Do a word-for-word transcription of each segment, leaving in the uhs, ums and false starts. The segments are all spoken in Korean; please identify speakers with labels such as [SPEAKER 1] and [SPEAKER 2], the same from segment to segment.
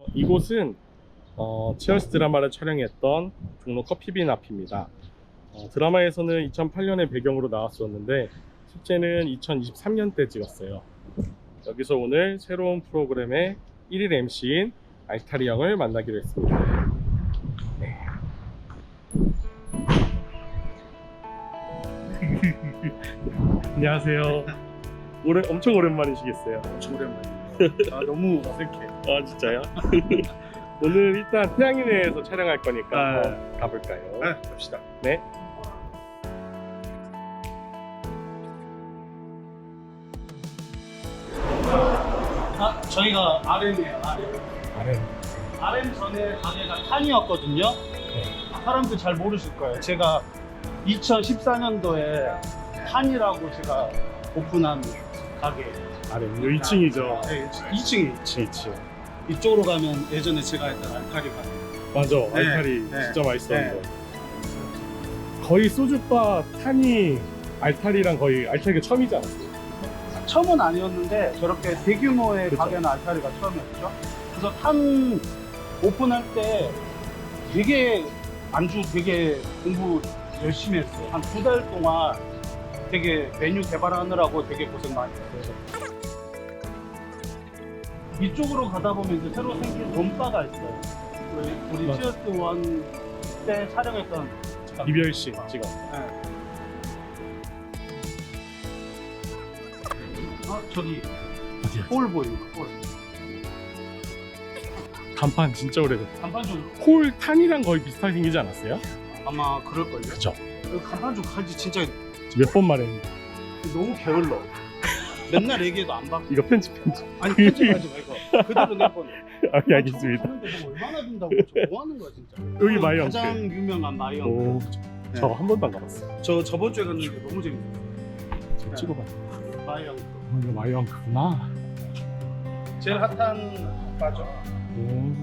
[SPEAKER 1] 이곳은 어, 치얼스 드라마를 촬영했던 종로 커피빈 앞입니다. 어, 드라마에서는 이천팔 년의 배경으로 나왔었는데 실제는 이천이십삼 년 때 찍었어요. 여기서 오늘 새로운 프로그램의 일 일 엠씨인 알타리 형을 만나기로 했습니다. 네. 안녕하세요. 오래, 엄청 오랜만이시겠어요?
[SPEAKER 2] 엄청 오랜만이에요. 아, 너무 어색해.
[SPEAKER 1] 아 진짜요? 오늘 일단 태양인회에서 촬영할 거니까
[SPEAKER 2] 아,
[SPEAKER 1] 한번 가볼까요?
[SPEAKER 2] 네, 갑시다.
[SPEAKER 1] 네.
[SPEAKER 2] 아, 저희가 알엠이에요, 알엠.
[SPEAKER 1] 아래.
[SPEAKER 2] 알엠 전에 가게가 탄이었거든요.
[SPEAKER 1] 네.
[SPEAKER 2] 사람들 잘 모르실 거예요. 제가 이천십사 년도에 탄이라고 제가 오픈한 가게.
[SPEAKER 1] 아래. 요 이 층이죠.
[SPEAKER 2] 네, 이 층이.
[SPEAKER 1] 이 층, 이 층.
[SPEAKER 2] 이쪽으로 가면 예전에 제가 했던 알타리 가게.
[SPEAKER 1] 맞아.
[SPEAKER 2] 네,
[SPEAKER 1] 알타리
[SPEAKER 2] 네,
[SPEAKER 1] 진짜 맛있었는데. 거의 소주바, 탄이, 알타리랑 거의 알타리가 처음이지 않았어요?
[SPEAKER 2] 처음은 아니었는데 저렇게 대규모의
[SPEAKER 1] 그쵸.
[SPEAKER 2] 가게는 알타리가 처음이었죠. 그래서 탄 오픈할 때 되게 안주 되게 공부 열심히 했어요. 한 두 달 동안 되게 메뉴 개발하느라고 되게 고생 많이 했어요. 이쪽으로 가다 보면 이제 새로 생긴 롬바가 있어요. 우리, 우리
[SPEAKER 1] 맞아.
[SPEAKER 2] 치어스 원 때 촬영했던
[SPEAKER 1] 이별식 찍어.
[SPEAKER 2] 네. 어, 저기
[SPEAKER 1] 어디야?
[SPEAKER 2] 홀 보이는 거, 홀.
[SPEAKER 1] 간판 진짜 오래됐다.
[SPEAKER 2] 간판 좀
[SPEAKER 1] 홀 탄이랑 거의 비슷하게 생기지 않았어요?
[SPEAKER 2] 아마 그럴걸요?
[SPEAKER 1] 그죠.
[SPEAKER 2] 그 간판 좀 가지 진짜
[SPEAKER 1] 몇 번 말했는데.
[SPEAKER 2] 너무 게을러. 맨날 얘기해도 안 받고.
[SPEAKER 1] 이거 편집 편집.
[SPEAKER 2] 아니 편집하지 말고 그대로 내보내.
[SPEAKER 1] 아, 예, 알겠습니다.
[SPEAKER 2] 하는데 뭐 얼마나 든다고 뭐 하는 거야 진짜.
[SPEAKER 1] 여기 마이엉크.
[SPEAKER 2] 가장 유명한
[SPEAKER 1] 오,
[SPEAKER 2] 마이엉크. 네.
[SPEAKER 1] 저 한 번도 안 가봤어요.
[SPEAKER 2] 저 저번 주에 갔는데 너무 재밌었어요.
[SPEAKER 1] 저
[SPEAKER 2] 네.
[SPEAKER 1] 찍어봐.
[SPEAKER 2] 마이엉크.
[SPEAKER 1] 어, 이거 마이엉크구나.
[SPEAKER 2] 제일 핫한 바죠.
[SPEAKER 1] 오.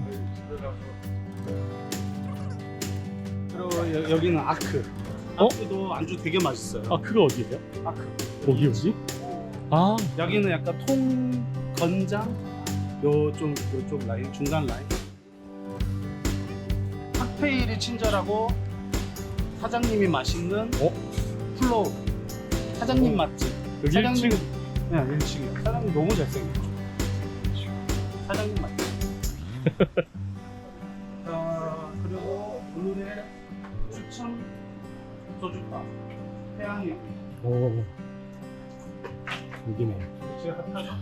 [SPEAKER 2] 그리고 여, 여기는 아크.
[SPEAKER 1] 어?
[SPEAKER 2] 아크도 안주 되게 맛있어요.
[SPEAKER 1] 아, 그거 어디예요?
[SPEAKER 2] 아크.
[SPEAKER 1] 거기 어디? 아,
[SPEAKER 2] 여기는 약간 통 건장 요좀 요쪽 라인 중간 라인. 칵테일이 친절하고 사장님이 맛있는
[SPEAKER 1] 어?
[SPEAKER 2] 플로우. 사장님
[SPEAKER 1] 어.
[SPEAKER 2] 맛집.
[SPEAKER 1] 여기
[SPEAKER 2] 사장님,
[SPEAKER 1] 일 층.
[SPEAKER 2] 네, 일 층이요. 사장님 너무 잘생겼죠. 사장님 맛집. 어, 그리고 오늘의 추천 소주바 태양이
[SPEAKER 1] 오, 여기네.
[SPEAKER 2] 제가 핫하죠.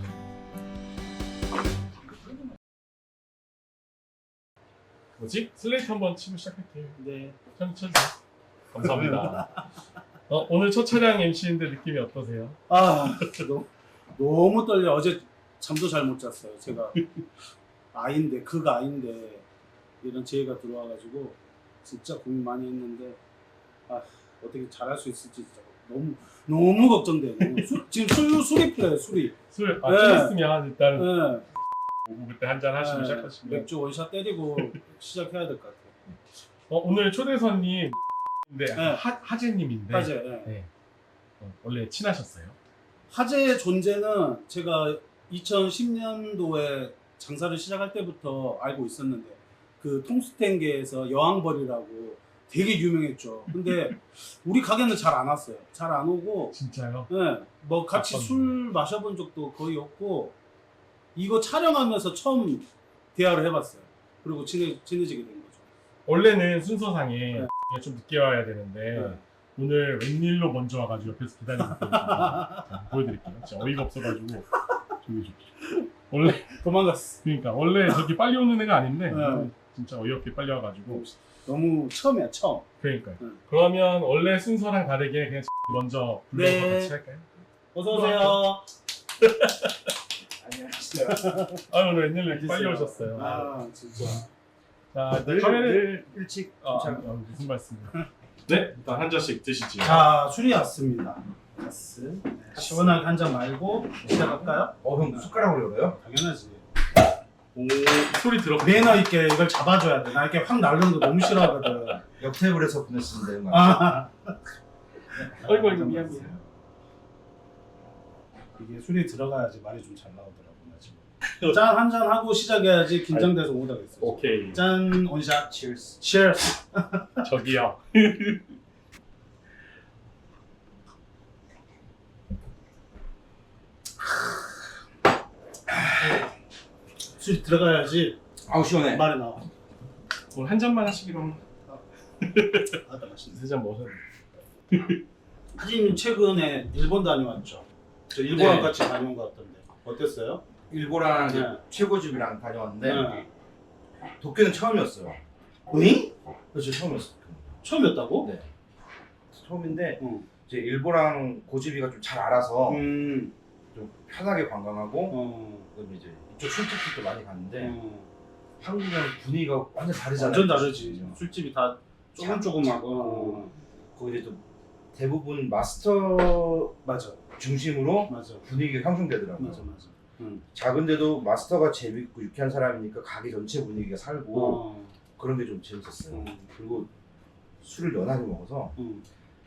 [SPEAKER 1] 뭐지? 슬레이트 한번 치고 시작할게요.
[SPEAKER 2] 네.
[SPEAKER 1] 천 쳐주세요. 감사합니다. 어, 오늘 첫 촬영 엠씨인데 느낌이 어떠세요?
[SPEAKER 2] 아, 너무, 너무 떨려. 어제 잠도 잘 못 잤어요. 제가 아인데 그가 아인데 이런 지혜가 들어와가지고 진짜 고민 많이 했는데 아 어떻게 잘할 수 있을지 진짜 너무 너무 걱정돼요. 너무 수, 지금 술 술이 풀려요. 술이.
[SPEAKER 1] 술, 아,
[SPEAKER 2] 네.
[SPEAKER 1] 좀 있으면 일단은
[SPEAKER 2] 네.
[SPEAKER 1] 오후 그때 한잔 하시고
[SPEAKER 2] 네,
[SPEAKER 1] 시작하시면.
[SPEAKER 2] 맥주 원샷 때리고 시작해야 될 것 같아요.
[SPEAKER 1] 어, 오늘 초대 손님, 네,
[SPEAKER 2] 네.
[SPEAKER 1] 하, 하재님인데.
[SPEAKER 2] 화재. 네.
[SPEAKER 1] 네. 어, 원래 친하셨어요?
[SPEAKER 2] 화재의 존재는 제가 이천십 년도에 장사를 시작할 때부터 알고 있었는데 그 통수텐계에서 여왕벌이라고 되게 유명했죠. 근데 우리 가게는 잘 안 왔어요. 잘 안 오고,
[SPEAKER 1] 진짜요?
[SPEAKER 2] 네, 뭐 같이
[SPEAKER 1] 어떤-
[SPEAKER 2] 술 마셔본 적도 거의 없고 이거 촬영하면서 처음 대화를 해봤어요. 그리고 친해, 친해지게 된 거죠.
[SPEAKER 1] 원래는 순서상에
[SPEAKER 2] 네.
[SPEAKER 1] 좀 늦게 와야 되는데
[SPEAKER 2] 네.
[SPEAKER 1] 오늘 웬일로 먼저 와가지고 옆에서 기다리고 있거든요. 보여드릴게요. 진짜 어이가 없어가지고 저기 저기 원래
[SPEAKER 2] 도망갔어.
[SPEAKER 1] 그러니까 원래 저기 빨리 오는 애가 아닌데
[SPEAKER 2] 네.
[SPEAKER 1] 진짜 어이없게 빨리 와가지고
[SPEAKER 2] 너무 처음이야, 처음.
[SPEAKER 1] 그러니까요.
[SPEAKER 2] 네.
[SPEAKER 1] 그러면 원래 순서랑 다르게 그냥 먼저 불러서
[SPEAKER 2] 네.
[SPEAKER 1] 같이 할까요?
[SPEAKER 2] 어서 오세요.
[SPEAKER 3] 안녕하세요.
[SPEAKER 1] 아 오늘 웬일로 이렇게 빨리 오셨어요.
[SPEAKER 2] 아, 진짜.
[SPEAKER 1] 자
[SPEAKER 3] 늘,
[SPEAKER 1] 카메라
[SPEAKER 3] 늘 일찍
[SPEAKER 1] 아,
[SPEAKER 3] 도착.
[SPEAKER 1] 아, 무슨 말씀이에요? 네 일단 한 잔씩 드시지요.
[SPEAKER 2] 자, 술이 왔습니다. 가스. 시원하게 한 잔 말고 시작할까요?
[SPEAKER 3] 어, 형 숟가락으로 열어요?
[SPEAKER 2] 당연하지.
[SPEAKER 1] 오 소리 들어.
[SPEAKER 2] 매너 있게 이걸 잡아줘야 돼. 나 이렇게 확 날리는 거 너무 싫어하거든.
[SPEAKER 3] 옆 테이블에서 보냈으면 되는 거 같아요.
[SPEAKER 2] 아,
[SPEAKER 1] 어이구 어이구 미안 미안.
[SPEAKER 2] 이게 술이 들어가야지 말이 좀 잘 나오더라고 나 지금. 짠 한 잔 하고 시작해야지 긴장돼서 못 하겠어요.
[SPEAKER 1] 오케이.
[SPEAKER 2] 짠 원샷.
[SPEAKER 3] Cheers.
[SPEAKER 2] Cheers.
[SPEAKER 1] 저기요.
[SPEAKER 2] 술 들어가야지
[SPEAKER 3] 아우 시원해.
[SPEAKER 2] 말이 나와.
[SPEAKER 1] 오늘 한 잔만 하시기로 합니다.
[SPEAKER 2] 아다 맛있네.
[SPEAKER 1] 세 잔 먹었는데.
[SPEAKER 2] 하진님 최근에 일본 다녀왔죠? 저 일본랑
[SPEAKER 3] 네.
[SPEAKER 2] 같이 다녀온 것 같던데 어땠어요?
[SPEAKER 3] 일본랑 이제
[SPEAKER 2] 네.
[SPEAKER 3] 최고집이랑 다녀왔는데
[SPEAKER 2] 네.
[SPEAKER 3] 도쿄는 처음이었어요.
[SPEAKER 2] 응?
[SPEAKER 3] 그렇죠, 처음이었어요.
[SPEAKER 2] 처음이었다고?
[SPEAKER 3] 네. 처음인데
[SPEAKER 2] 응.
[SPEAKER 3] 이제 일본랑 고집이가 좀 잘 알아서
[SPEAKER 2] 음.
[SPEAKER 3] 좀 편하게 관광하고
[SPEAKER 2] 어.
[SPEAKER 3] 그다음에 이제 이쪽 술집도 많이 갔는데
[SPEAKER 2] 어.
[SPEAKER 3] 한국이랑 분위기가 완전 다르잖아요.
[SPEAKER 2] 완전 다르지.
[SPEAKER 3] 그죠?
[SPEAKER 2] 술집이 다 조금조금하고.
[SPEAKER 3] 거기 이제 또 대부분 마스터
[SPEAKER 2] 맞아.
[SPEAKER 3] 중심으로
[SPEAKER 2] 맞아.
[SPEAKER 3] 분위기가 형성되더라고요.
[SPEAKER 2] 맞아 맞아. 응.
[SPEAKER 3] 작은데도 마스터가 재밌고 유쾌한 사람이니까 가게 전체 분위기가 살고
[SPEAKER 2] 어.
[SPEAKER 3] 그런 게 좀 재밌었어요.
[SPEAKER 2] 음.
[SPEAKER 3] 그리고 술을 연하게 먹어서
[SPEAKER 2] 응.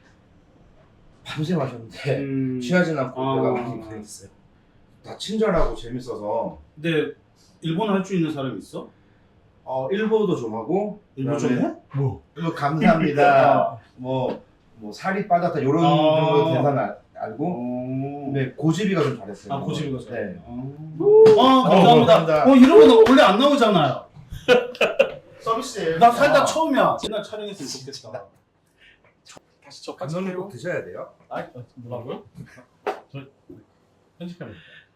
[SPEAKER 3] 밤새 마셨는데
[SPEAKER 2] 음.
[SPEAKER 3] 취하진 않고
[SPEAKER 2] 아.
[SPEAKER 3] 배가 많이 고생했어요. 다 친절하고 재밌어서
[SPEAKER 2] 근데 일본 할 줄 있는 사람 있어?
[SPEAKER 3] 어, 일보도 좀 하고
[SPEAKER 2] 일본 좀
[SPEAKER 3] 그다음에
[SPEAKER 2] 해? 뭐?
[SPEAKER 3] 일보 감사합니다. 뭐, 뭐 살이 빠졌다 이런
[SPEAKER 2] 아.
[SPEAKER 3] 정도 대사는 알- 알고
[SPEAKER 2] 어.
[SPEAKER 3] 근데 고집이가 좀 잘했어요.
[SPEAKER 2] 아 고집이가
[SPEAKER 3] 네.
[SPEAKER 2] 잘. 어. 아 감사합니다.
[SPEAKER 3] 감사합니다.
[SPEAKER 2] 어 이런 거 원래 안 나오잖아요.
[SPEAKER 3] 서비스예요.
[SPEAKER 2] 나 살다 처음이야. 옛날 촬영했으면 좋겠다.
[SPEAKER 1] 다시 저
[SPEAKER 3] 감사는 꼭 드셔야 돼요.
[SPEAKER 1] 아, 뭐라고요? 저 편집합니다.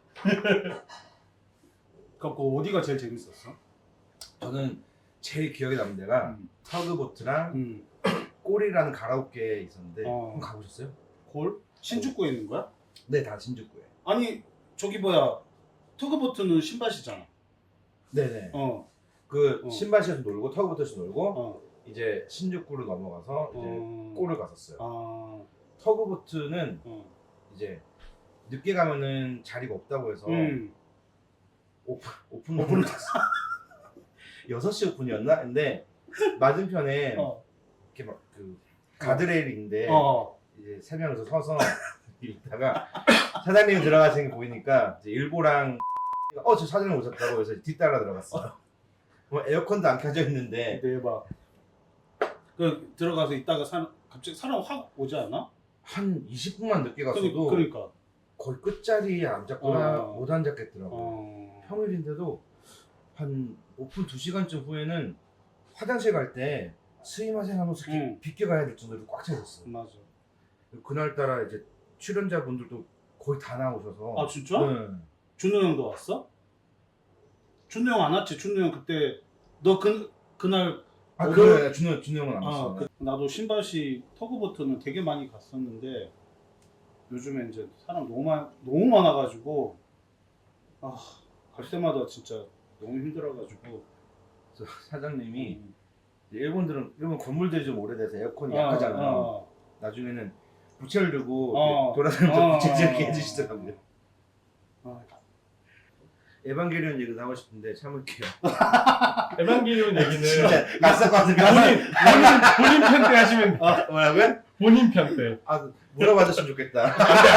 [SPEAKER 2] 그거 어디가 제일 재밌었어?
[SPEAKER 3] 저는 제일 기억에 남는 데가
[SPEAKER 2] 음.
[SPEAKER 3] 터그보트랑
[SPEAKER 2] 음.
[SPEAKER 3] 꼴이라는 가라오케 있었는데
[SPEAKER 2] 어.
[SPEAKER 3] 한번 가보셨어요?
[SPEAKER 2] 골? 신주쿠에 있는 거야?
[SPEAKER 3] 네, 다 신주쿠에.
[SPEAKER 2] 아니 저기 뭐야 터그보트는 신밭이잖아.
[SPEAKER 3] 네네.
[SPEAKER 2] 어.
[SPEAKER 3] 그
[SPEAKER 2] 어.
[SPEAKER 3] 신바시에서 놀고 터그보트에서 놀고
[SPEAKER 2] 어.
[SPEAKER 3] 이제 신주쿠로 넘어가서 이제
[SPEAKER 2] 어.
[SPEAKER 3] 꼴을 갔었어요.
[SPEAKER 2] 아.
[SPEAKER 3] 터그보트는
[SPEAKER 2] 어.
[SPEAKER 3] 이제 늦게 가면은 자리가 없다고 해서
[SPEAKER 2] 음.
[SPEAKER 3] 오픈 오픈 오픈을 갔어. 여섯 시 오픈이었나? 근데 맞은편에
[SPEAKER 2] 어.
[SPEAKER 3] 이렇게 막 그 가드레일인데
[SPEAKER 2] 어.
[SPEAKER 3] 이제 세 명이서 서서 있다가 사장님이 들어가시는 게 보이니까 이제 일보랑 어 저 사장님 오셨다고 해서 뒤따라 들어갔어요. 뭐 에어컨도 안 켜져 있는데
[SPEAKER 2] 대박. 그 들어가서 있다가 사 갑자기 사람 확 오지 않아?
[SPEAKER 3] 한 이십 분만 늦게 갔어도
[SPEAKER 2] 그러니까. 그러니까.
[SPEAKER 3] 거의 끝자리에 앉았거나
[SPEAKER 2] 어.
[SPEAKER 3] 못 앉았겠더라고요.
[SPEAKER 2] 어.
[SPEAKER 3] 평일인데도 한 오픈 두 시간쯤 후에는 화장실 갈 때 스이마생 하면서 이렇게
[SPEAKER 2] 응.
[SPEAKER 3] 비껴가야 될 정도로 꽉 차 있었어요.
[SPEAKER 2] 맞아.
[SPEAKER 3] 그날따라 이제 출연자분들도 거의 다 나오셔서
[SPEAKER 2] 아 진짜?
[SPEAKER 3] 네.
[SPEAKER 2] 준호 형도 왔어? 준호 형 안 왔지? 준호 형 그때 너 그 그날
[SPEAKER 3] 아
[SPEAKER 2] 오늘-
[SPEAKER 3] 그래 준호 준호 형은 안
[SPEAKER 2] 아,
[SPEAKER 3] 왔어요.
[SPEAKER 2] 그, 나도 신바시 터그보트는 되게 많이 갔었는데 요즘에 이제 사람 너무 많 너무 많아가지고 아 갈 때마다 진짜 너무 힘들어가지고
[SPEAKER 3] 그래서 사장님이
[SPEAKER 2] 음.
[SPEAKER 3] 이제 일본들은 일본 건물들이 좀 오래돼서 에어컨이
[SPEAKER 2] 아,
[SPEAKER 3] 약하잖아요.
[SPEAKER 2] 아,
[SPEAKER 3] 나중에는 부채를 들고
[SPEAKER 2] 어.
[SPEAKER 3] 이렇게 돌아다니면서
[SPEAKER 2] 어.
[SPEAKER 3] 부채 이렇게 해주시더라고요.
[SPEAKER 2] 아,
[SPEAKER 3] 에반게리온 얘기도 하고 싶은데 참을게요.
[SPEAKER 1] 에반게리온 얘기는
[SPEAKER 3] 진짜 낯설 것 같은데
[SPEAKER 1] 본인 본인 본인 편 때 하시면
[SPEAKER 3] 아, 뭐라고요?
[SPEAKER 1] 본인 편 때.
[SPEAKER 3] 아 물어봐줬으면 좋겠다.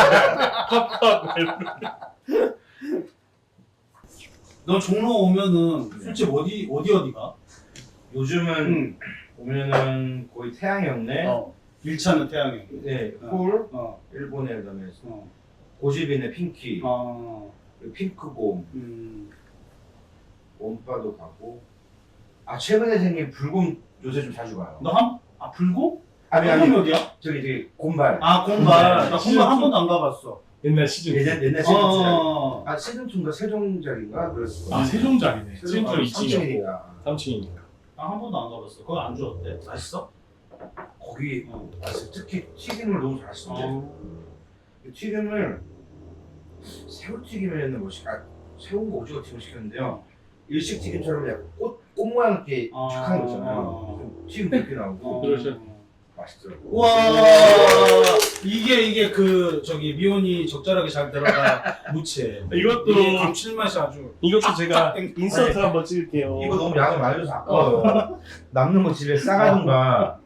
[SPEAKER 2] 너 종로 오면은 술집 어디 어디 어디가?
[SPEAKER 3] 요즘은
[SPEAKER 2] 응.
[SPEAKER 3] 오면은 거의 태양이었네.
[SPEAKER 2] 어. 일차는 태양이.
[SPEAKER 3] 네,
[SPEAKER 2] 어.
[SPEAKER 3] 콜,
[SPEAKER 2] 어.
[SPEAKER 3] 일본에 그다음에
[SPEAKER 2] 어.
[SPEAKER 3] 고집인의 핑키,
[SPEAKER 2] 아.
[SPEAKER 3] 그리고 핑크곰,
[SPEAKER 2] 음.
[SPEAKER 3] 원바도 가고. 아 최근에 생긴 불곰 요새 좀 자주 가요.
[SPEAKER 2] 너 한? 아 불고?
[SPEAKER 3] 아니
[SPEAKER 2] 불곰이
[SPEAKER 3] 아니
[SPEAKER 2] 어디야?
[SPEAKER 3] 저기 저기 곰발.
[SPEAKER 2] 아 곰발.
[SPEAKER 3] 곰발.
[SPEAKER 2] 나 곰발 한 번도 안 가봤어.
[SPEAKER 1] 옛날 시즌.
[SPEAKER 3] 예전 옛날 시즌 투.
[SPEAKER 2] 어.
[SPEAKER 3] 아 시즌 투인가 세종짜리인가 그랬어.
[SPEAKER 1] 아 세종작이네. 시즌
[SPEAKER 3] 아,
[SPEAKER 1] 투 이 층이었고
[SPEAKER 3] 삼층이니까.
[SPEAKER 1] 삼 층이니까.
[SPEAKER 2] 나 한 번도 안 가봤어. 거기 안주 어때? 맛있어?
[SPEAKER 3] 거기
[SPEAKER 2] 어.
[SPEAKER 3] 맛있어. 특히 튀김을 너무 잘하시던데. 튀김을 새우튀김이었나 뭐 시, 아, 새우인가 오징어 튀김을 시켰는데요. 일식 튀김처럼 약간 꽃, 꽃 모양 이렇게
[SPEAKER 2] 아.
[SPEAKER 3] 쭉 하는 거 있잖아요. 좀 튀김 이렇게 나오고
[SPEAKER 2] 어.
[SPEAKER 1] 그러셔.
[SPEAKER 3] 맛있더라고요.
[SPEAKER 2] 와 이게 이게 그 저기 미온이 적절하게 잘 들어가 무채.
[SPEAKER 1] 이것도
[SPEAKER 2] 이게 감칠맛이 아주.
[SPEAKER 1] 이것도 제가
[SPEAKER 2] 땡.
[SPEAKER 1] 인서트 한번 찍을게요.
[SPEAKER 3] 이거 너무 양을 많이 줘서 아까워요. 남는 거 집에 싸가든가.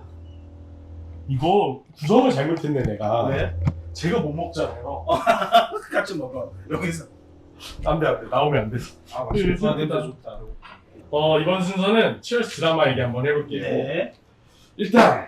[SPEAKER 1] 이거 구성을 잘못했네 내가.
[SPEAKER 2] 왜?
[SPEAKER 1] 제가 못 먹잖아요.
[SPEAKER 2] 같이 먹어. 여기서.
[SPEAKER 1] 안돼 안돼 나오면 안 돼.
[SPEAKER 3] 아
[SPEAKER 2] 아,
[SPEAKER 3] 맛있겠다.
[SPEAKER 2] 냄새 좋다.
[SPEAKER 1] 어 이번 순서는 치얼스 드라마 얘기 한번 해볼게요.
[SPEAKER 2] 네.
[SPEAKER 1] 일단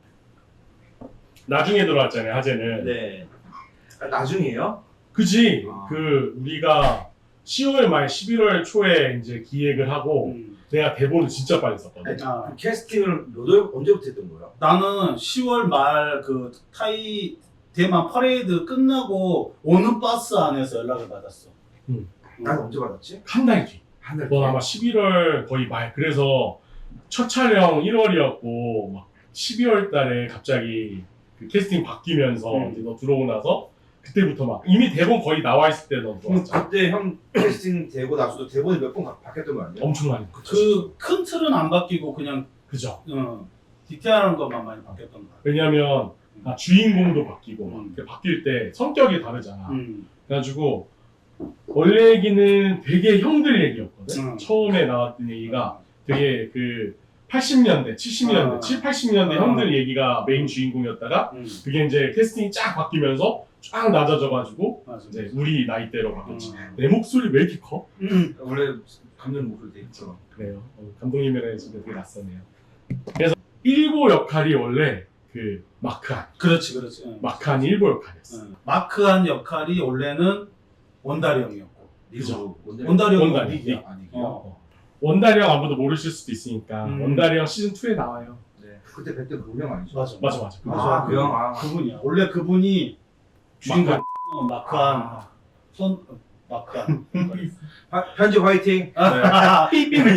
[SPEAKER 1] 나중에 들어왔잖아요 하재는.
[SPEAKER 3] 네. 아, 나중이에요?
[SPEAKER 1] 그지.
[SPEAKER 3] 아.
[SPEAKER 1] 그 우리가 시월 말 십일월 초에 이제 기획을 하고
[SPEAKER 2] 음.
[SPEAKER 1] 내가 대본을 진짜 빨리 썼거든.
[SPEAKER 2] 아,
[SPEAKER 3] 그 캐스팅을 몇 월, 언제부터 했던 거예요?
[SPEAKER 2] 나는 시월 말 그 타이 대만 퍼레이드 끝나고 오는 버스 안에서 연락을 받았어.
[SPEAKER 1] 음.
[SPEAKER 3] 난 언제 받았지?
[SPEAKER 1] 한 달 뒤.
[SPEAKER 3] 한 달.
[SPEAKER 1] 넌 아마 십일월 거의 말. 그래서 첫 촬영 일월이었고 막 십이월 달에 갑자기 그 캐스팅 바뀌면서
[SPEAKER 2] 음.
[SPEAKER 1] 이제 너 들어오고 나서 그때부터 막 이미 대본 거의 나와 있을 때 너 들어왔잖아.
[SPEAKER 3] 그때 형 캐스팅 되고 나서도 대본이 몇 번 바뀌었던 거 아니에요?
[SPEAKER 1] 엄청 많이.
[SPEAKER 2] 그 큰 틀은 안 바뀌고 그냥
[SPEAKER 1] 그죠.
[SPEAKER 2] 어, 디테일한 것만 많이 바뀌었던 거야.
[SPEAKER 1] 왜냐면 아, 주인공도 바뀌고 막
[SPEAKER 2] 음.
[SPEAKER 1] 그 바뀔 때 성격이 다르잖아.
[SPEAKER 2] 음.
[SPEAKER 1] 그래가지고 원래 얘기는 되게 형들 얘기였거든.
[SPEAKER 2] 음.
[SPEAKER 1] 처음에 나왔던 얘기가 되게 그 팔십 년대, 칠십 년대,
[SPEAKER 2] 아.
[SPEAKER 1] 칠, 팔십 년대
[SPEAKER 2] 아.
[SPEAKER 1] 형들 얘기가 메인 주인공이었다가
[SPEAKER 2] 음.
[SPEAKER 1] 그게 이제 캐스팅이 쫙 바뀌면서 쫙 낮아져가지고
[SPEAKER 2] 맞아.
[SPEAKER 1] 이제 우리 나이대로 바뀌었지.
[SPEAKER 2] 음.
[SPEAKER 1] 내 목소리 왜 이렇게 커?
[SPEAKER 2] 음.
[SPEAKER 3] 원래 감독 목소리 돼 있죠.
[SPEAKER 1] 그래요. 어, 감독님이랑 지금 되게 낯서네요. 그래서 일보 역할이 원래 그 마크한,
[SPEAKER 2] 그렇지, 그렇지. 응.
[SPEAKER 1] 마크한 일보 역할이었어.
[SPEAKER 2] 응. 마크한 역할이 원래는 원다리 형이었고.
[SPEAKER 1] 그죠.
[SPEAKER 2] 원다리 형이
[SPEAKER 1] 원다리.
[SPEAKER 2] 닉이야.
[SPEAKER 3] 아, 닉이요?
[SPEAKER 2] 어.
[SPEAKER 1] 원다리 형 아무도 모르실 수도 있으니까
[SPEAKER 2] 음.
[SPEAKER 1] 원다리 형 시즌 투에 나와요.
[SPEAKER 3] 네. 그때 뵀던 그형 아니죠?
[SPEAKER 2] 맞아.
[SPEAKER 1] 맞아 맞아. 그거.
[SPEAKER 3] 아, 그 형. 아.
[SPEAKER 2] 그분이야. 원래 그분이 주인공
[SPEAKER 1] 마크한.
[SPEAKER 2] 어, 마크한
[SPEAKER 3] 아.
[SPEAKER 2] 손 어, 마크한.
[SPEAKER 3] 화- 편집 화이팅.
[SPEAKER 2] 아,
[SPEAKER 1] 삐삐는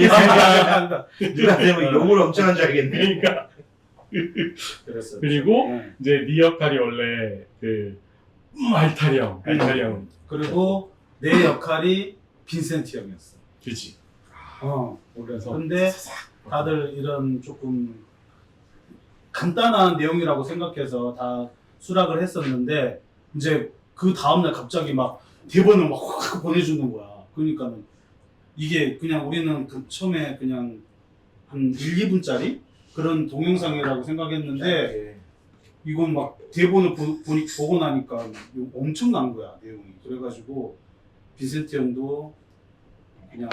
[SPEAKER 3] 누가 되면 욕을 엄청 한 줄 알겠네.
[SPEAKER 1] 그러니까
[SPEAKER 2] 그랬어.
[SPEAKER 1] 그리고
[SPEAKER 2] 응.
[SPEAKER 1] 이제 네 역할이 원래 그 음, 알타리 형, 알타리 형.
[SPEAKER 2] 그리고 내 역할이 빈센트 형이었어.
[SPEAKER 1] 그지.
[SPEAKER 2] 어.
[SPEAKER 1] 그래서
[SPEAKER 2] 근데 다들 이런 조금 간단한 내용이라고 생각해서 다 수락을 했었는데 이제 그 다음날 갑자기 막 대본을 막 확 보내주는 거야. 그러니까는 이게 그냥 우리는 그 처음에 그냥 한 일, 이 분짜리 그런 동영상이라고 생각했는데
[SPEAKER 3] 네.
[SPEAKER 2] 이건 막 대본을 보, 보니, 보고 나니까 엄청난 거야 내용이. 그래가지고 빈센트 형도 그냥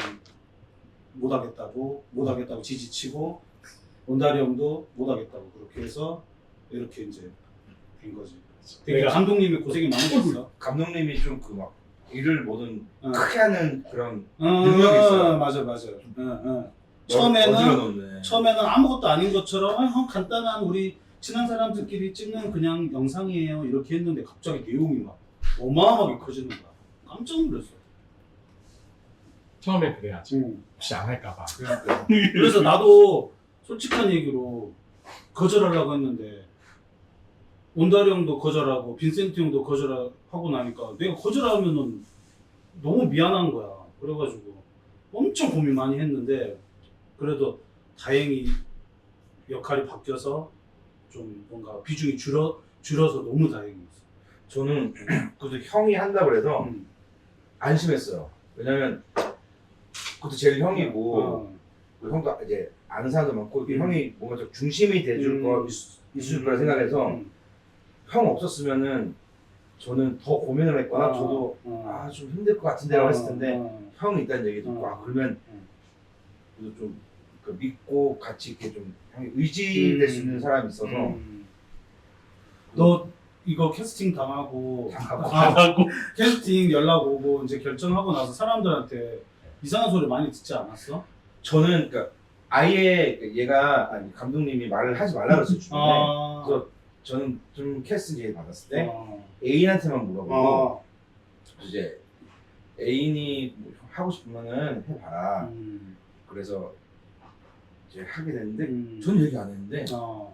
[SPEAKER 2] 못하겠다고 못하겠다고 지지치고 원다리 형도 못하겠다고 그렇게 해서 이렇게 이제 된 거지. 되게
[SPEAKER 1] 내가-
[SPEAKER 2] 감독님이 고생이 많으셨어.
[SPEAKER 3] 감독님이 좀 그 막 일을 뭐든
[SPEAKER 2] 어.
[SPEAKER 3] 크게 하는 그런
[SPEAKER 2] 어,
[SPEAKER 3] 능력이 있어요.
[SPEAKER 2] 맞아 맞아. 어, 어.
[SPEAKER 3] 어지러
[SPEAKER 2] 처음에는
[SPEAKER 3] 놓네.
[SPEAKER 2] 처음에는 아무것도 아닌 것처럼 아, 형 간단한 우리 친한 사람들끼리 찍는 그냥 영상이에요 이렇게 했는데 갑자기 내용이 막 어마어마하게 커지는 거야. 깜짝 놀랐어.
[SPEAKER 1] 처음에 그래야지.
[SPEAKER 2] 응.
[SPEAKER 1] 혹시 안 할까봐.
[SPEAKER 3] 그러니까.
[SPEAKER 2] 그래서 나도 솔직한 얘기로 거절하려고 했는데 온다리 형도 거절하고 빈센트 형도 거절하고 나니까 내가 거절하면은 너무 미안한 거야. 그래가지고 엄청 고민 많이 했는데 그래도 다행히 역할이 바뀌어서 좀 뭔가 비중이 줄어 줄어서 너무 다행이었어.
[SPEAKER 3] 저는 그래도 형이 한다 그래서
[SPEAKER 2] 음.
[SPEAKER 3] 안심했어요. 왜냐면 그것도 제일 형이고
[SPEAKER 2] 어.
[SPEAKER 3] 그 형도 이제 아는 사람도 많고 이렇게
[SPEAKER 2] 음.
[SPEAKER 3] 형이 뭔가 좀 중심이 돼줄
[SPEAKER 2] 음.
[SPEAKER 3] 거 있- 있을 거라 생각해서
[SPEAKER 2] 음.
[SPEAKER 3] 형 없었으면은 저는 더 고민을 했거나
[SPEAKER 2] 어.
[SPEAKER 3] 저도
[SPEAKER 2] 어.
[SPEAKER 3] 아 좀 힘들 것 같은데라고 했을 텐데
[SPEAKER 2] 어.
[SPEAKER 3] 형이 있다는 얘기 듣고
[SPEAKER 2] 어.
[SPEAKER 3] 아 그러면
[SPEAKER 2] 음.
[SPEAKER 3] 그래도 좀 그 믿고 같이 이렇게 좀 형이 의지될 수 있는 사람이 있어서
[SPEAKER 2] 음. 너 이거 캐스팅 당하고
[SPEAKER 3] 당하고.
[SPEAKER 2] 아,
[SPEAKER 1] 하고
[SPEAKER 2] 캐스팅 연락 오고 이제 결정하고 나서 사람들한테 이상한 소리 많이 듣지 않았어?
[SPEAKER 3] 저는 그러니까 아예 얘가 아니 감독님이 말을 하지 말라 그랬어요 주변에.
[SPEAKER 2] 아,
[SPEAKER 3] 그래서 저는 좀 캐스팅 제의 받았을 때
[SPEAKER 2] 어.
[SPEAKER 3] 애인한테만 물어보고
[SPEAKER 2] 어.
[SPEAKER 3] 이제 애인이 뭐 하고 싶으면은 해봐라.
[SPEAKER 2] 음.
[SPEAKER 3] 그래서 이제 하게 됐는데
[SPEAKER 2] 음.
[SPEAKER 3] 전 얘기 안 했는데
[SPEAKER 2] 어.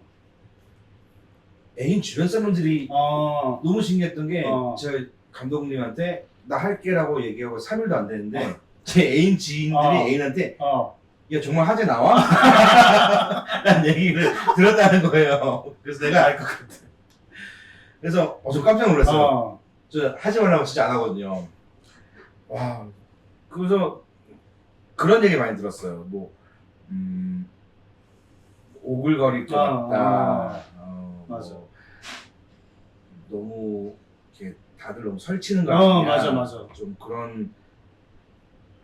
[SPEAKER 3] 애인 주변 사람들이
[SPEAKER 2] 어.
[SPEAKER 3] 너무 신기했던 게
[SPEAKER 2] 어.
[SPEAKER 3] 저 감독님한테 나 할게라고 얘기하고 삼 일도 안 됐는데 제 애인 지인들이
[SPEAKER 2] 어.
[SPEAKER 3] 애인한테
[SPEAKER 2] 어.
[SPEAKER 3] 야 정말 하재 나와? 라는 얘기를 들었다는 거예요. 그래서 내가 알 것 같아. 그래서 어, 저 깜짝 놀랐어요.
[SPEAKER 2] 어.
[SPEAKER 3] 저 하지 말라고 진짜 안 하거든요. 와, 그래서 그런 얘기 많이 들었어요. 뭐, 음, 오글거릴 것
[SPEAKER 2] 아,
[SPEAKER 3] 같다.
[SPEAKER 2] 아.
[SPEAKER 3] 어,
[SPEAKER 2] 맞아.
[SPEAKER 3] 뭐, 너무 이렇게 다들 너무 설치는 거
[SPEAKER 2] 어,
[SPEAKER 3] 아니냐.
[SPEAKER 2] 맞아, 맞아.
[SPEAKER 3] 좀 그런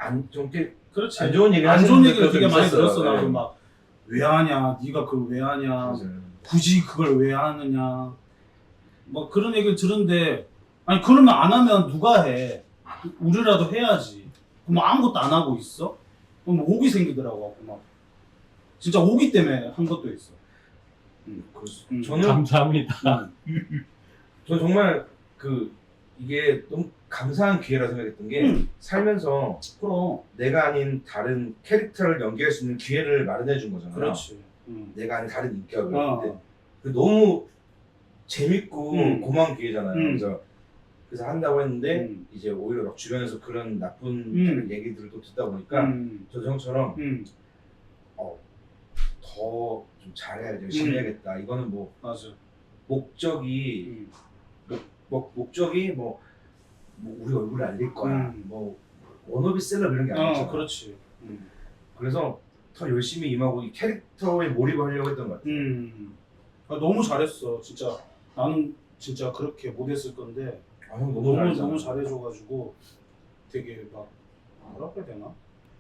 [SPEAKER 3] 안좀
[SPEAKER 2] 그렇지.
[SPEAKER 3] 안 좋은 얘기
[SPEAKER 2] 안
[SPEAKER 3] 하시는
[SPEAKER 2] 좋은 얘기를
[SPEAKER 3] 분들도
[SPEAKER 2] 되게 많이
[SPEAKER 3] 있었어요.
[SPEAKER 2] 들었어. 나도
[SPEAKER 3] 네.
[SPEAKER 2] 막 왜 하냐, 네가 그걸 왜 하냐,
[SPEAKER 3] 맞아요.
[SPEAKER 2] 굳이 그걸 왜 하느냐, 뭐 그런 얘기를 들은데 아니 그러면 안 하면 누가 해? 우리라도 해야지. 그럼 아무것도 안 하고 있어? 그럼 오기 생기더라고. 막 진짜 오기 때문에 한 것도 있어. 음. 음.
[SPEAKER 3] 저는
[SPEAKER 1] 감사합니다.
[SPEAKER 2] 음.
[SPEAKER 3] 저 정말 그 이게 너무 감사한 기회라 생각했던 게
[SPEAKER 2] 음.
[SPEAKER 3] 살면서
[SPEAKER 2] 그럼
[SPEAKER 3] 내가 아닌 다른 캐릭터를 연기할 수 있는 기회를 마련해 준 거잖아요.
[SPEAKER 2] 그렇지. 음.
[SPEAKER 3] 내가 아닌 다른 인격을.
[SPEAKER 2] 어.
[SPEAKER 3] 근데 그 너무 재밌고
[SPEAKER 2] 음.
[SPEAKER 3] 고마운 기회잖아요.
[SPEAKER 2] 음.
[SPEAKER 3] 그래서 그래서 한다고 했는데
[SPEAKER 2] 음.
[SPEAKER 3] 이제 오히려 막 주변에서 그런 나쁜
[SPEAKER 2] 음.
[SPEAKER 3] 얘기들을 또 듣다 보니까
[SPEAKER 2] 음.
[SPEAKER 3] 저도 형처럼
[SPEAKER 2] 음.
[SPEAKER 3] 어, 더 좀 잘해야지, 열심히
[SPEAKER 2] 음.
[SPEAKER 3] 해야겠다. 이거는 뭐
[SPEAKER 2] 맞아.
[SPEAKER 3] 목적이
[SPEAKER 2] 음.
[SPEAKER 3] 목, 목적이 뭐, 뭐 우리 얼굴을 알릴 거야.
[SPEAKER 2] 음.
[SPEAKER 3] 뭐 워너비 셀럽 이런 게 아니잖아.
[SPEAKER 2] 어, 그렇지. 음.
[SPEAKER 3] 그래서 더 열심히 임하고 이 캐릭터에 몰입을 하려고 했던 것 같아요.
[SPEAKER 2] 음. 아, 너무 잘했어. 진짜 나는 진짜 그렇게 못했을 건데
[SPEAKER 3] 아, 형 너무
[SPEAKER 2] 너무
[SPEAKER 3] 잘했잖아.
[SPEAKER 2] 너무 잘해줘가지고 되게 막 뭐라고 해야 되나?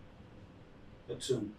[SPEAKER 2] 여튼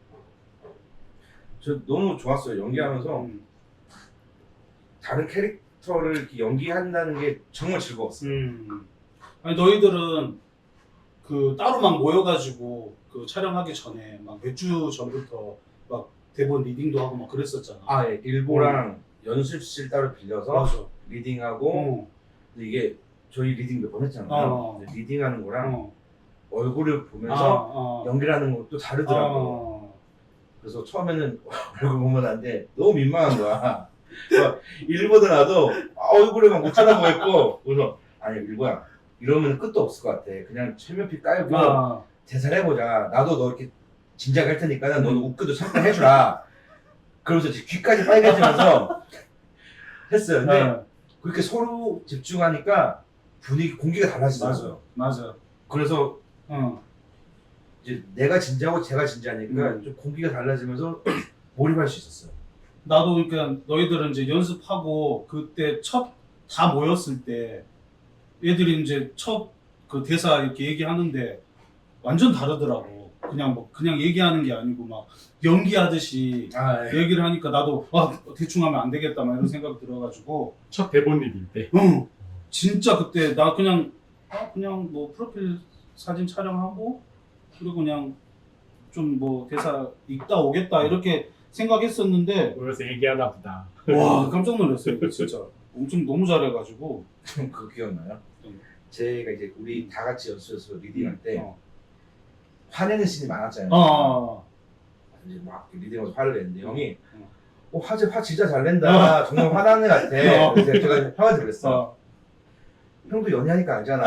[SPEAKER 3] 저 너무 좋았어요. 연기하면서
[SPEAKER 2] 음.
[SPEAKER 3] 다른 캐릭터를 이렇게 연기한다는 게 정말 즐거웠어요.
[SPEAKER 2] 음. 아니 너희들은 그 따로 막 모여가지고 그 촬영하기 전에 막 몇 주 전부터 막 대본 리딩도 하고 막 그랬었잖아.
[SPEAKER 3] 아, 예. 일보랑 연습실 따로 빌려서
[SPEAKER 2] 맞아.
[SPEAKER 3] 리딩하고
[SPEAKER 2] 어.
[SPEAKER 3] 근데 이게 저희 리딩 몇 번 했잖아요.
[SPEAKER 2] 어.
[SPEAKER 3] 근데 리딩하는 거랑
[SPEAKER 2] 어.
[SPEAKER 3] 얼굴을 보면서
[SPEAKER 2] 어.
[SPEAKER 3] 연기를 하는 것도 다르더라고요.
[SPEAKER 2] 어.
[SPEAKER 3] 그래서 처음에는 얼굴 보면 안 돼. 너무 민망한 거야. 막 일보다 나도 아, 얼굴에 막 못 쳐다보고 있고 그래서 아니 일보야 이러면 끝도 없을 것 같아. 그냥 철면피 깔고
[SPEAKER 2] 아.
[SPEAKER 3] 대사를 해보자. 나도 너 이렇게 진작에 할 테니까 너는
[SPEAKER 2] 음.
[SPEAKER 3] 웃겨도 잠깐 해주라. 그러면서 이제 귀까지 빨개지면서 했어요. 근데
[SPEAKER 2] 네.
[SPEAKER 3] 그렇게 서로 집중하니까 분위기 공기가 달라지더라고요.
[SPEAKER 2] 맞아. 맞아.
[SPEAKER 3] 그래서
[SPEAKER 2] 어.
[SPEAKER 3] 이제 내가 진지하고 제가 진지하니까
[SPEAKER 2] 음.
[SPEAKER 3] 좀 공기가 달라지면서 몰입할 수 있었어요.
[SPEAKER 2] 나도 그러니까 너희들은 이제 연습하고 그때 첫 다 모였을 때 애들이 이제 첫 그 대사 이렇게 얘기하는데 완전 다르더라고. 그냥 뭐 그냥 얘기하는 게 아니고 막 연기하듯이
[SPEAKER 3] 아,
[SPEAKER 2] 얘기를 하니까 나도 아 대충 하면 안 되겠다 막 이런 생각 들어가지고
[SPEAKER 1] 첫 대본 리딩 때.
[SPEAKER 2] 응 진짜 그때 나 그냥 아 그냥 뭐 프로필 사진 촬영하고 그리고 그냥 좀 뭐 대사 읽다 오겠다 이렇게 생각했었는데
[SPEAKER 1] 모여서 얘기하나 보다.
[SPEAKER 2] 와 깜짝 놀랐어요 진짜 엄청 너무 잘해가지고
[SPEAKER 3] 좀 그거 기억나요?
[SPEAKER 2] 음.
[SPEAKER 3] 제가 이제 우리 다 같이 연습해서 리딩할 때
[SPEAKER 2] 어.
[SPEAKER 3] 화내는 씬이 많았잖아요.
[SPEAKER 2] 어.
[SPEAKER 3] 이제 막 리딩하면서 화를 내는데 형이
[SPEAKER 2] 어.
[SPEAKER 3] 어, 화제 화 진짜 잘 낸다. 정말 화나는 애 같아.
[SPEAKER 2] 어.
[SPEAKER 3] 그래서 제가 화가 그랬어.
[SPEAKER 2] 어.
[SPEAKER 3] 형도 연애하니까 알잖아.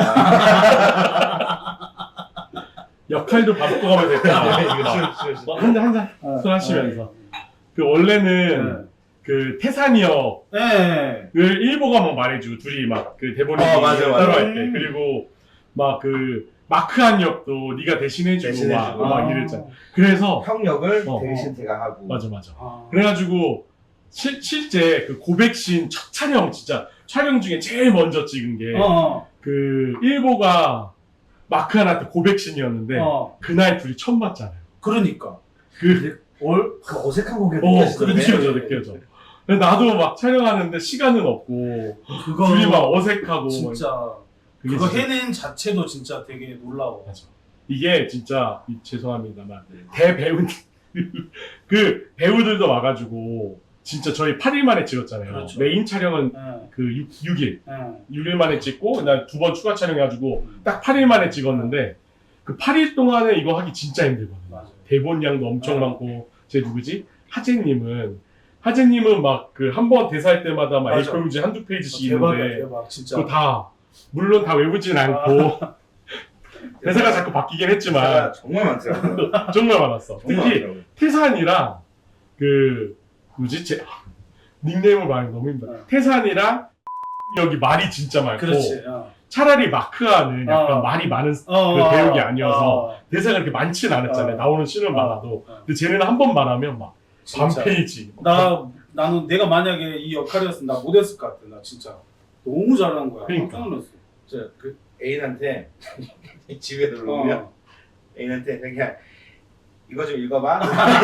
[SPEAKER 1] 역할도 바꿔가면 됐다. 이거 뭐 한잔 한잔
[SPEAKER 2] 어.
[SPEAKER 1] 술 하시면서. 그 원래는
[SPEAKER 2] 네.
[SPEAKER 1] 그 태산이 형을
[SPEAKER 2] 네.
[SPEAKER 1] 일보가 막 말해주고 둘이 막 그 대본이
[SPEAKER 3] 어, 맞아, 맞아.
[SPEAKER 1] 따로 할 때
[SPEAKER 2] 음.
[SPEAKER 1] 그리고 막 그 마크한 역도 네가 대신해주고
[SPEAKER 3] 대신해주고.
[SPEAKER 1] 막, 막
[SPEAKER 2] 아.
[SPEAKER 1] 이랬잖아. 그래서
[SPEAKER 3] 형 역을
[SPEAKER 1] 어.
[SPEAKER 3] 대신 제가 하고.
[SPEAKER 1] 맞아 맞아.
[SPEAKER 2] 아.
[SPEAKER 1] 그래가지고 실, 실제 그 고백신 첫 촬영 진짜 촬영 중에 제일 먼저 찍은 게
[SPEAKER 2] 어.
[SPEAKER 1] 그 일보가 마크한한테 고백신이었는데
[SPEAKER 2] 어.
[SPEAKER 1] 그날 둘이 처음 봤잖아요.
[SPEAKER 2] 그러니까
[SPEAKER 1] 그
[SPEAKER 2] 월
[SPEAKER 3] 그 어색한 공기가
[SPEAKER 1] 어,
[SPEAKER 3] 느껴지던데.
[SPEAKER 1] 느껴져, 느껴져. 근데 나도 막 촬영하는데 시간은 없고,
[SPEAKER 2] 그거
[SPEAKER 1] 둘이 막 어색하고.
[SPEAKER 2] 진짜
[SPEAKER 1] 막 그게
[SPEAKER 2] 그거
[SPEAKER 1] 진짜-
[SPEAKER 2] 해낸 자체도 진짜 되게 놀라워.
[SPEAKER 1] 맞아. 이게 진짜, 이- 죄송합니다만,
[SPEAKER 3] 네.
[SPEAKER 1] 대배우들, 그 배우들도 와가지고, 진짜 저희 팔 일 만에 찍었잖아요.
[SPEAKER 2] 그렇죠.
[SPEAKER 1] 메인 촬영은
[SPEAKER 2] 예.
[SPEAKER 1] 그 육 일,
[SPEAKER 2] 예.
[SPEAKER 1] 육 일 만에 찍고, 그다음 두 번 추가 촬영해가지고, 딱 팔 일 만에 찍었는데, 그 팔 일 동안에 이거 하기 진짜 힘들거든요.
[SPEAKER 2] 맞아요.
[SPEAKER 1] 대본 양도 엄청
[SPEAKER 2] 어.
[SPEAKER 1] 많고, 제 누구지? 하재님은, 하재님은 막 그 한 번 대사할 때마다 막
[SPEAKER 2] 맞아.
[SPEAKER 1] 에이프용지 한두 페이지씩
[SPEAKER 2] 대박이야
[SPEAKER 1] 있는데,
[SPEAKER 2] 대박 진짜.
[SPEAKER 1] 그거 다, 물론 다 외우진 않고, 대사가 자꾸 바뀌긴 했지만,
[SPEAKER 3] 대사가 정말 많더라고요.
[SPEAKER 1] 정말 많았어.
[SPEAKER 3] 정말
[SPEAKER 1] 특히,
[SPEAKER 3] 많더라고요.
[SPEAKER 1] 태산이랑, 그, 뭐지? 제, 닉네임을 말하기 너무 힘들어.
[SPEAKER 2] 어.
[SPEAKER 1] 태산이랑, 여기 말이 진짜 많고,
[SPEAKER 2] 그렇지. 어.
[SPEAKER 1] 차라리 마크아는 약간
[SPEAKER 2] 어.
[SPEAKER 1] 말이 많은
[SPEAKER 2] 어,
[SPEAKER 1] 그
[SPEAKER 2] 어,
[SPEAKER 1] 배우기
[SPEAKER 2] 어,
[SPEAKER 1] 아니어서,
[SPEAKER 2] 어,
[SPEAKER 1] 대사가 그렇게 많지는 않았잖아요.
[SPEAKER 2] 어.
[SPEAKER 1] 나오는 씬은
[SPEAKER 2] 어.
[SPEAKER 1] 많아도.
[SPEAKER 2] 어.
[SPEAKER 1] 근데 쟤네는 한 번 말하면 막, 반
[SPEAKER 2] 진짜.
[SPEAKER 1] 페이지.
[SPEAKER 2] 나 나는 내가 만약에 이 역할이었으면 나 못했을 것 같아. 나 진짜 너무 잘한 거야.
[SPEAKER 1] 그러니까.
[SPEAKER 2] 깜짝 놀랐어.
[SPEAKER 3] 저 그 애인한테 집에 놀러 오면
[SPEAKER 2] 어.
[SPEAKER 3] 애인한테 그냥 이거 좀 읽어봐.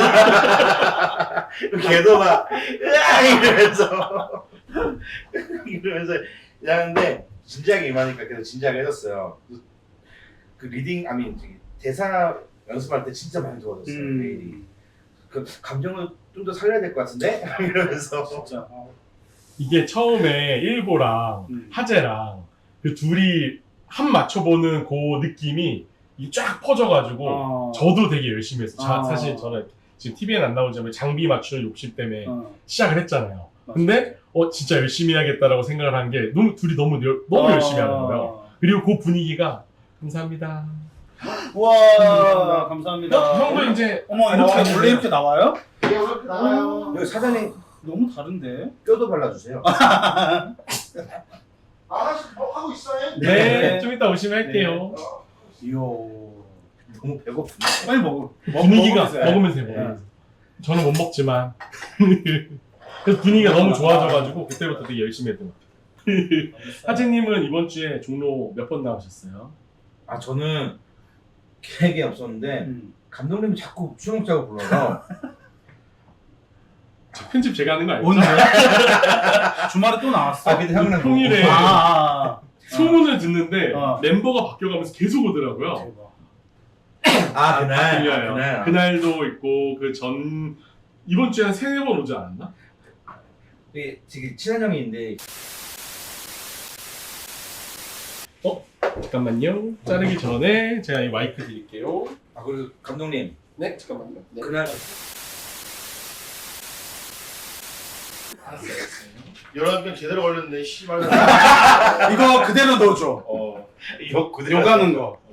[SPEAKER 3] 걔도 막 으아 이러면서 이러면서 하는데 진지하게 임하니까 계속 진지하게 해줬어요. 그 리딩 아니 대사 연습할 때 진짜 많이 도와줬어요. 메일이.
[SPEAKER 2] 음.
[SPEAKER 3] 그 감정을 좀 더 살려야 될 것 같은데 이러면서
[SPEAKER 2] 진짜. 어.
[SPEAKER 1] 이게 처음에 일보랑
[SPEAKER 2] 음.
[SPEAKER 1] 하재랑 그 둘이 한 맞춰보는 그 느낌이 이 쫙 퍼져가지고
[SPEAKER 2] 어.
[SPEAKER 1] 저도 되게 열심히 했어요. 자,
[SPEAKER 2] 어.
[SPEAKER 1] 사실 저는 지금 티비엔 안 나오지만 장비 맞추는 욕심 때문에
[SPEAKER 2] 어.
[SPEAKER 1] 시작을 했잖아요.
[SPEAKER 2] 맞아.
[SPEAKER 1] 근데 어 진짜 열심히 해야겠다라고 생각을 한 게 너무 둘이 너무 열- 너무
[SPEAKER 2] 어.
[SPEAKER 1] 열심히 하는 거예요. 그리고 그 분위기가 감사합니다.
[SPEAKER 2] 와 감사합니다.
[SPEAKER 1] 형, 형도 이제
[SPEAKER 2] 어머 이렇게
[SPEAKER 1] 어,
[SPEAKER 2] 원래 이렇게 나와요?
[SPEAKER 4] 이렇게 나와요.
[SPEAKER 3] 여기 사장님
[SPEAKER 2] 너무 다른데?
[SPEAKER 3] 뼈도 발라주세요.
[SPEAKER 4] 아, 하나씩 뭐 하고 있어요?
[SPEAKER 1] 네,
[SPEAKER 2] 네.
[SPEAKER 1] 좀 이따 오시면 할게요.
[SPEAKER 2] 이야.
[SPEAKER 3] 너무 배고픈데.
[SPEAKER 2] 빨리 먹어.
[SPEAKER 1] 분위기가
[SPEAKER 2] 먹으면서 해.
[SPEAKER 1] 먹으면서 해요. 먹으면서. 저는 못 먹지만 그래서 분위기가 너무 좋아져가지고 그때부터 되게 열심히 했던 것 같아요. 하재님은 이번 주에 종로 몇 번 나오셨어요?
[SPEAKER 3] 아 저는 계획이 없었는데
[SPEAKER 2] 음.
[SPEAKER 3] 감독님이 자꾸 수영장을 불러서
[SPEAKER 1] 저 편집 제가 하는 거 알죠?
[SPEAKER 2] 언제? 주말에 또 나왔어?
[SPEAKER 3] 아 근데 형은
[SPEAKER 1] 평일에
[SPEAKER 3] 뭐-
[SPEAKER 2] 아,
[SPEAKER 1] 소문을 듣는데
[SPEAKER 2] 어.
[SPEAKER 1] 멤버가 바뀌어가면서 계속 오더라고요.
[SPEAKER 2] 대박.
[SPEAKER 3] 아 그날
[SPEAKER 1] 들려요.
[SPEAKER 3] 아, 그날
[SPEAKER 1] 그날도 있고 그 전 이번 주에 한 세네 번 오지 않았나?
[SPEAKER 3] 이게 되게 친한 형인데
[SPEAKER 1] 잠깐만요. 자르기 전에 제가 이 마이크 드릴게요.
[SPEAKER 3] 아 그리고 감독님
[SPEAKER 1] 네, 잠깐만요. 네.
[SPEAKER 3] 그날
[SPEAKER 4] 열한 병 제대로 걸렸네. 씨발.
[SPEAKER 2] 이거 그대로 넣어줘.
[SPEAKER 3] 어 욕 그대로
[SPEAKER 2] 욕하는 거.